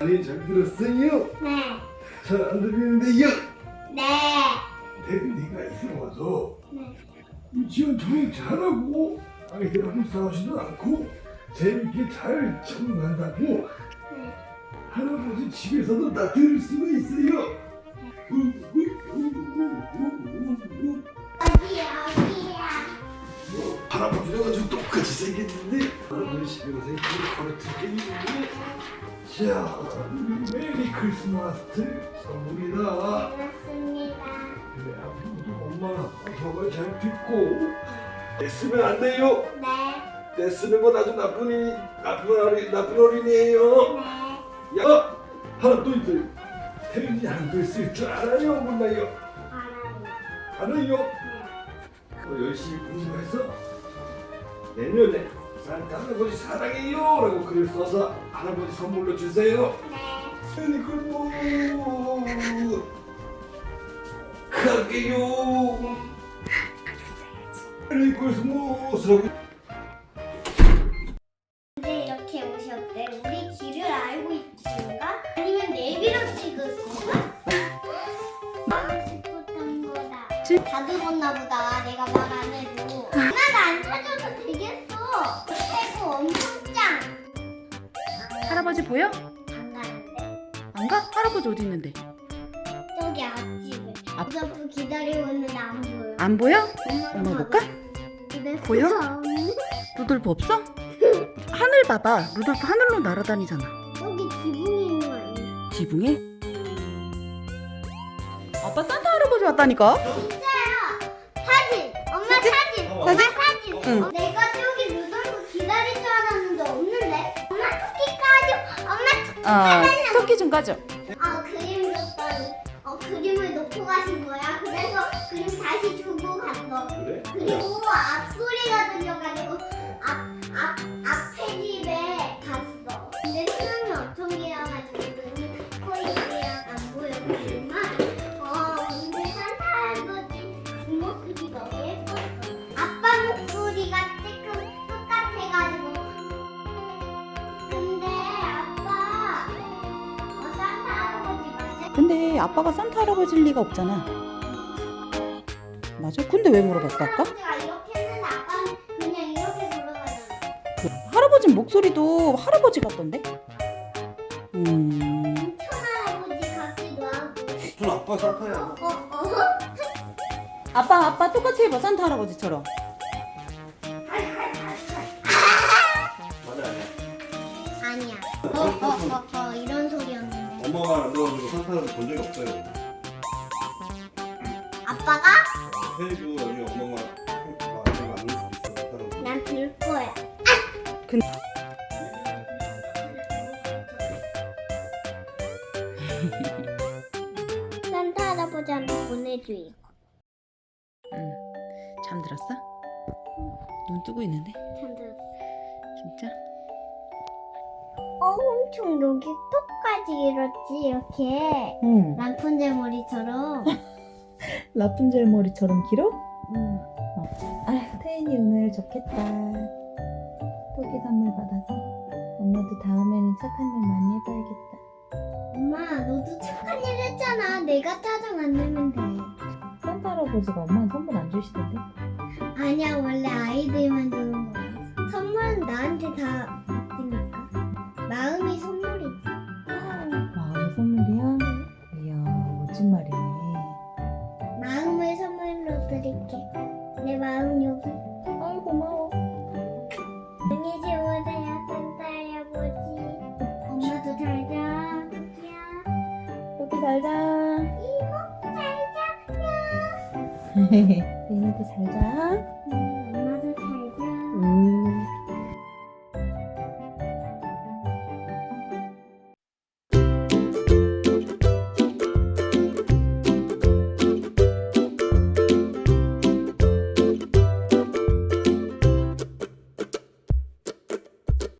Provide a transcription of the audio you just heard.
네, 잘 들었어요? 네. 잘 안 들리는데요? 네. 태린이가 이승 와서 네. 유치원 적응 잘하고 아이들하고 싸우지도 않고 재밌게 잘 적응한다고 네. 할아버지 집에서도 다 들을 수가 있어요. 어디야? 할아버지랑 아주 똑같이 생겼는데 할아버지 집에 가서 이걸 걸어드릴게요. 자, 우리 메리 크리스마스 선물이다. 고맙습니다. 그래, 앞으로도 엄마 아빠가 잘 듣고 떼쓰면 안 돼요. 네. 떼쓰는 건 아주 나쁜 어린이에요. 네. 야, 하나 또 있어요. 태린이 한글 쓸 줄 알아요? 몰라요? 알아요. 알아요? 네. 열심히 공부해서 내년에 산타 할아버지 사랑해요 라고 글을 써서 할아버지 선물로 주세요. 네. 메리 크리스마스 갈게요. 메리 크리스마스라고. 근데 이렇게 오셨대. 우리 길을 알고 있는가? 아니면 내비로 찍었을까? 싶었던 거다. 다 들었나 보다. 내가 말 안 해도. 엄마가 안 찾아도 되겠어. 최고 엄청 짱. 할아버지 보여? 안 가는데. 안 가? 할아버지 어디 있는데? 저기 앞집에. 앞으로 기다리고 있는데 안 보여. 안 보여? 엄마는 엄마 봐봐. 볼까? 근데 보여? 진짜 없네. 루돌프 없어? 하늘 봐봐. 루돌프 하늘로 날아다니잖아. 여기 지붕이 있는 거 아니야? 지붕에? 아빠 산타 할아버지 왔다니까? 진짜요. 사진. 엄마 사진. 엄마 사진. 응. 내가 저기 루돌프 기다릴 줄 알았는데 없는데. 엄마 토끼 까줘. 엄마 토끼. 토끼 좀 가져. 그림 줬더니 그림을 놓고 가신 거야. 그래서 그림 다시 주고 갔어. 그래? 그리고 앞소리가 들려가지고 앞 페이지에 갔어. 근데 수능이 엄청 길어가지고 코이랑 안 보였지만 근데 산타 할아버지 뒷모습이 너무 예뻤어. 아빠 목소리가 조금 똑같아가지고. 근데 아빠 산타 할아버지 맞아? 근데 아빠가 산타 할아버지일 리가 없잖아. 맞아? 근데 왜 물어봤어 아까? 할아버지가 이렇게 했는데 아빠는 그냥 이렇게 돌아가잖아. 할아버지 목소리도 할아버지 같던데? 할아버지 같기도 하고. 무슨 아빠 산타야? 아빠 똑같이 해봐 산타 할아버지처럼. 맞아 아니야. 아니야. 이런 소리였는데. 엄마가 안 들어가지고 산타를 본 적이 없어요. 아빠가? 태리도 나중에 엄마가 아빠가 안 올 수도 있어. 산타를. 난 들 거야. 산타 할아버지한테 보내줘 이거. 잠들었어? 눈 뜨고 있는데? 잠들. 진짜? 엄청 여기 끝까지 길었지 이렇게. 응. 라푼젤 머리처럼. 라푼젤 머리처럼 길어? 응. 아휴 태인이 오늘 좋겠다. 토끼 선물 받아서 엄마도 다음에는 착한 일 많이 해봐야겠다. 엄마 너도 착한 일 했잖아. 내가 짜증 안 내면 돼. 산타 할아버지가 엄마한테 선물 안 주시던데? 아니야 원래 아이들만 주는 거야. 선물은 나한테 다 있으니까. 마음이 선물이지. 마음의 선물이야? 이야 멋진 말이네. 마음을 선물로 드릴게. 내 마음 여기. 아이 고마워. 안녕히 주무세요 산타 할아버지. 엄마도 잘 자. 토끼야. 토끼 잘자. 이모 잘 자. 태인이도 잘자. 응.